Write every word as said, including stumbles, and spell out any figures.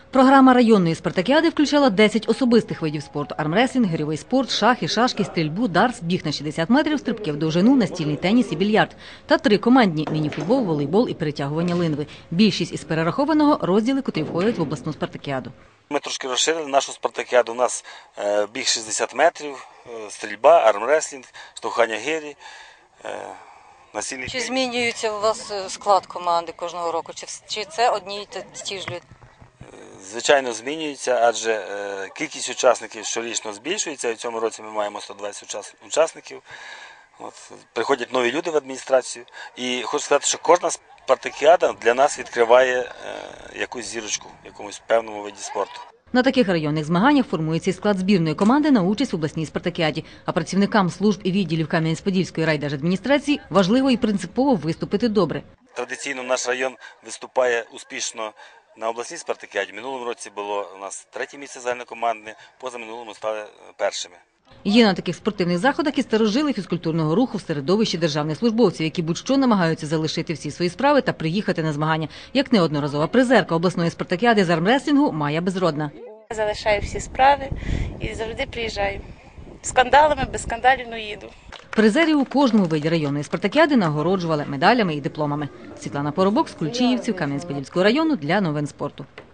Програма районної спартакіади включала десять особистих видів спорту – армреслінг, гирьовий спорт, шахи, шашки, стрільбу, дартс, біг на шістдесят метрів, стрибки в довжину, настільний теніс і більярд. Та три командні – мініфутбол, волейбол і перетягування линви. Більшість із перерахованого – розділи, котрі входять в обласну спартакіаду. Ми трошки розширили нашу спартакіаду. У нас біг шістдесят метрів, стрільба, армреслінг, штовхання гирі. Чи змінюється у вас склад команди кожного року? Чи це одні й ті ж люди? Звичайно, змінюється, адже кількість учасників щорічно збільшується. У цьому році ми маємо сто двадцять учасників. От, приходять нові люди в адміністрацію. І хочу сказати, що кожна спартакіада для нас відкриває якусь зірочку в якомусь певному виді спорту. На таких районних змаганнях формується і склад збірної команди на участь в обласній спартакіаді. А працівникам служб і відділів Кам'янець-Подільської райдержадміністрації важливо і принципово виступити добре. Традиційно наш район виступає успішно на обласній спартакіаді. В минулому році було у нас третє місце загальнокомандне, позаминулому стали першими. Є на таких спортивних заходах і старожили фізкультурного руху в середовищі державних службовців, які будь-що намагаються залишити всі свої справи та приїхати на змагання. Як неодноразова призерка обласної спартакіади з армреслінгу Майя Безродна. Залишаю всі справи і завжди приїжджаю. Скандалами, без скандалів, ну їду. Призерів у кожному виді районної спартакіади нагороджували медалями і дипломами. Світлана Поробок з Кульчиївців Кам'янець-Подільського району для новин спорту.